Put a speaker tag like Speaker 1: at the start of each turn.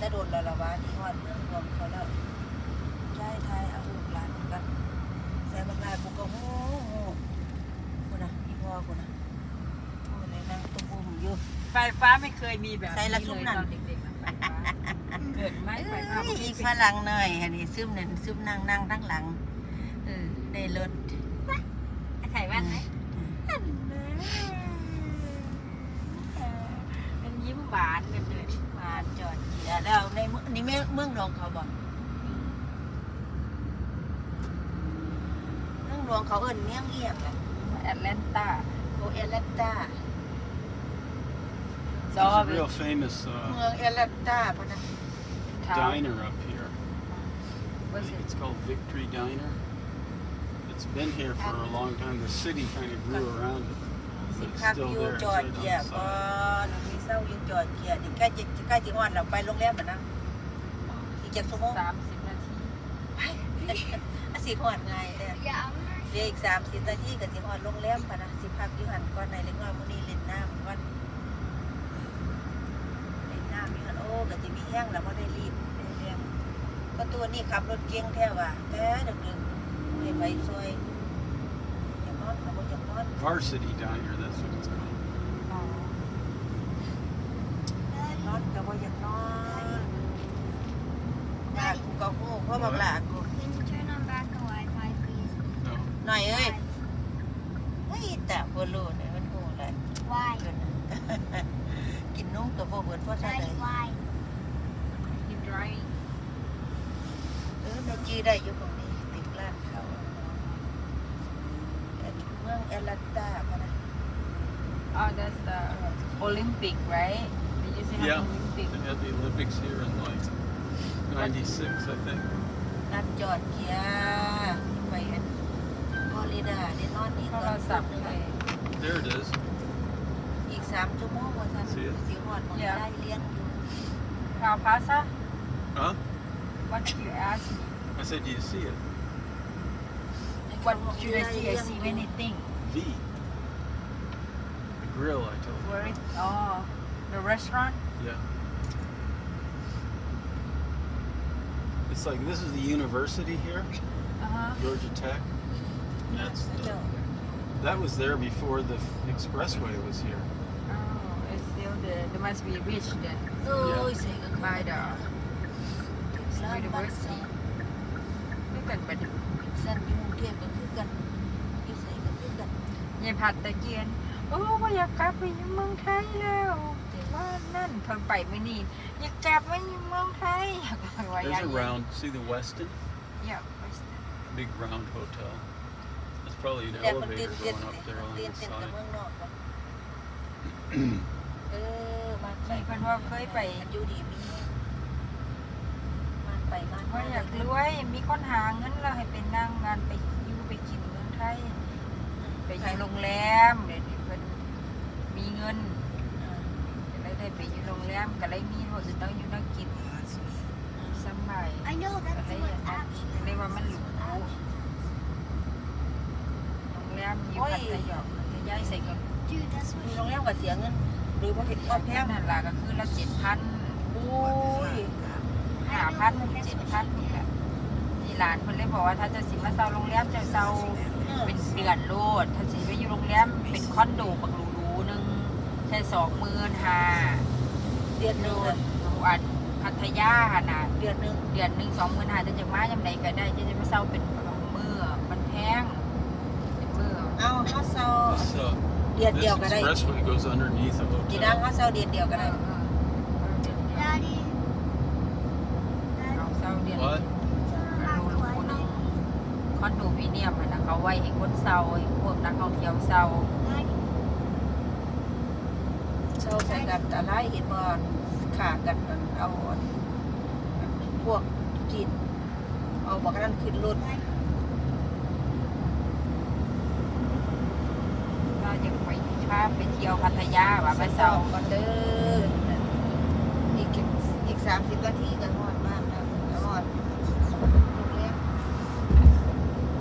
Speaker 1: โดนละละวะที่ฮอดเมืองรวมเขาแล้วย้ายไทยเอาลูกหลานกันใส่บักลายบุกกะโหกูนะพี่พ่อกูนะโอ้ในนั่งตุ้มบุ้มอยู่
Speaker 2: ไฟฟ้าไม่เคยมีแบบ
Speaker 1: ใส่ละซุ่มนั่น
Speaker 2: ตอนเด็กๆไฟฟ้าเกิดไหมไฟฟ้า
Speaker 1: อีกฝรั่งหน่อยอันนี้ซึมนั่นซึมนั่งทั้งหลังได้รถ
Speaker 2: ไข่แว่นไหมเป็นยิ้มหวานเลย
Speaker 1: มาจอดเจียแล้วในนี่เมืองหลวงเขาบอกเมืองหลวงเขาเอิ้นเมืองเอียงอะ
Speaker 2: แอตแลนตา
Speaker 1: โอเอลันตา
Speaker 3: There's a real famous
Speaker 1: เมืองเอลันตาพะนะ
Speaker 3: diner up here. I
Speaker 2: Was
Speaker 3: think
Speaker 2: it?
Speaker 3: it's called Victory Diner. It's been here for a long time. The city kind of grew around it,
Speaker 1: สิ
Speaker 3: but it's
Speaker 1: พัก
Speaker 3: still
Speaker 1: อยู่
Speaker 3: there.
Speaker 1: จ
Speaker 3: It's
Speaker 1: อด
Speaker 3: right
Speaker 1: เกีย
Speaker 3: on the
Speaker 1: ก่อ
Speaker 3: side.
Speaker 1: นมีเศร้าอยู่จอดเกียนี่ใกล้จะฮอดเราไปโรงแรมแล้วนะอีก7 ชั่วโมง
Speaker 2: 30 นาที
Speaker 1: สิฮอดง่ายเลยเหลืออีก30 นาทีก็สิฮอดโรงแรมพะนะสิพักอยู่หันก่อนในเล็กน้อยมื้อนี้เล่นน้ำวันเล่นน้ำมีหันโอ้ก็สิมีแห้งแล้วบ่ได้รีบได้เรื่องก็ตัวนี้ขับรถเก่งแท้ว่ะแต่ดึกๆไม่ไปซอยอย่านอนเขาบ่อยากนอน
Speaker 3: Varsity Diner, that's what it's called.
Speaker 2: อ๋อน
Speaker 1: อนก็บ่อยากนอนอยากกูก็ฮู้เพราะบักหลากู
Speaker 4: Can you turn on back the Wi-Fi, please?
Speaker 3: No.
Speaker 1: หน่อยเอ้ยเฮ้ยแต่บ่รู้เนี่ยมันฮู้อะไร
Speaker 4: Why?
Speaker 1: เกิน กินนมก็บ่เบิดเพราะซั่น
Speaker 4: Daddy,
Speaker 1: เลย
Speaker 4: why?
Speaker 2: Keep driving
Speaker 1: แม่จีได้อยู่ตรงนี้ติดร้านเขาเมืองแอตแลนตาพะนะ
Speaker 2: oh that's the Olympic right they used to have
Speaker 3: Yeah.
Speaker 2: Olympic
Speaker 3: They had the Olympics here in like '96, I think.
Speaker 1: นัดจอดเกียร์ไปอันฟลอริดาได้นอนนี่
Speaker 2: โท
Speaker 1: ก่
Speaker 2: ร
Speaker 1: อน
Speaker 2: ศัพท์เลย
Speaker 3: There it is.
Speaker 1: อีก3 ชั่วโมงว่าซั่น
Speaker 3: See it?
Speaker 1: สิฮอดหมองได้เลี้ยงอยู่
Speaker 2: Now Plaza
Speaker 3: Huh?
Speaker 2: what did you ask me
Speaker 3: I said, do you see it?
Speaker 2: what should I see I see many things
Speaker 3: V. The grill, I told you.
Speaker 2: where it oh the restaurant
Speaker 3: Yeah. It's like this is the university here, Georgia Tech. And that's
Speaker 1: เจ้า
Speaker 3: that was there before the expressway was here.
Speaker 2: oh it's still there they must be rich then
Speaker 1: โอ้ยเสียก็
Speaker 2: by the
Speaker 1: ร้านบ้านเซา
Speaker 2: look at but
Speaker 1: ซั่นอยู่กรุงเทพก็คือกันอยู่ไสก็คือกัน
Speaker 2: ยายผัดตะเกียนโอ้ก็อยากกลับไปอยู่เมืองไทยแล้วแต่ว่านั่นเพิ่งไปไม่นี่อยากกลับไปอยู่เมืองไทยอยากไปว่าอยาก
Speaker 3: There's a round. See the Westin?
Speaker 2: อยากไป
Speaker 3: Big round hotel. There's probably an
Speaker 1: แต่มันตื่
Speaker 3: elevator
Speaker 1: นเต้น
Speaker 3: going up there on
Speaker 1: ตื่น
Speaker 3: the
Speaker 1: เต้นกับ
Speaker 3: side.
Speaker 1: เมืองนอกบ่มันไป
Speaker 2: มีเพิ่นว่าเคยไป
Speaker 1: อยู่ดีมีมันไปมัน
Speaker 2: ว่าอยากรวยมีคนหาเงินแล้วให้ไปนั่งงานไปอยู่ไปกินเมืองไทยไปอยู่โรงแรมเดี๋ยวนี้เพิ่นมีเงินก็เลยได้ไปอยู่โรงแรมก็เลยมีว่าจะต้องอยู่นักกินสำบาย
Speaker 4: I know
Speaker 2: ก็
Speaker 4: that's
Speaker 2: เลย
Speaker 4: what option.
Speaker 2: เรียกว่ามันหรูโรงแรมอยู่พัทยาจะย้ายใส่เงิน
Speaker 4: Dude, that's
Speaker 1: มี
Speaker 4: what
Speaker 1: โรงแรมก็เสียเงินหรือว่าเห็นก็แพ
Speaker 2: แพ
Speaker 1: ง
Speaker 2: งนั่นล่ะก็คือละ7,000
Speaker 1: โอ้ย
Speaker 2: 5,000 7,000นี่แหละที่ร้านเพิ่นเลยบอกว่าถ้าจะสิมาเช่าโรงแรมจะเช่าเป็นเดือนโลดถ้าสิไปอยู่โรงแรมเป็นคอนโดบักหรูๆนึงแค่25,000
Speaker 1: เดือนหนึงอะ
Speaker 2: อันพัทยาหั่นน่ะ
Speaker 1: เดือนหนึง
Speaker 2: เดือนหนึง25,000จะจะมายามใดก็ได้จะมาเช่าเป็นมื้อมันแพงเป็นมื้อ
Speaker 1: เอาเฮาเซา
Speaker 3: This
Speaker 1: เดือนเดียว
Speaker 3: this
Speaker 1: ก็ได้
Speaker 3: expressway goes underneath a
Speaker 1: กี่ดัง
Speaker 3: hotel.
Speaker 1: เฮาเซาเดือนเดียวก็ได้
Speaker 4: Daddy.
Speaker 2: เอาเช่าเดือน
Speaker 3: What?
Speaker 4: Turn on back the Wi-Fi.
Speaker 2: คอนโดมิเนียมอะนะเขาไว้ให้คนเช่าให้พวกนักท่องเที่ยวเช่า
Speaker 4: Daddy.
Speaker 1: เซาใส่กันตะไลเห็นบ่ขากันนั่นเอาพวกจีนเอาบักนั้นขึ้นรถ
Speaker 2: ถ้าอยากไปพาไปเที่ยวพัทยาว่าไปเช่า
Speaker 1: ก่อนเด้อ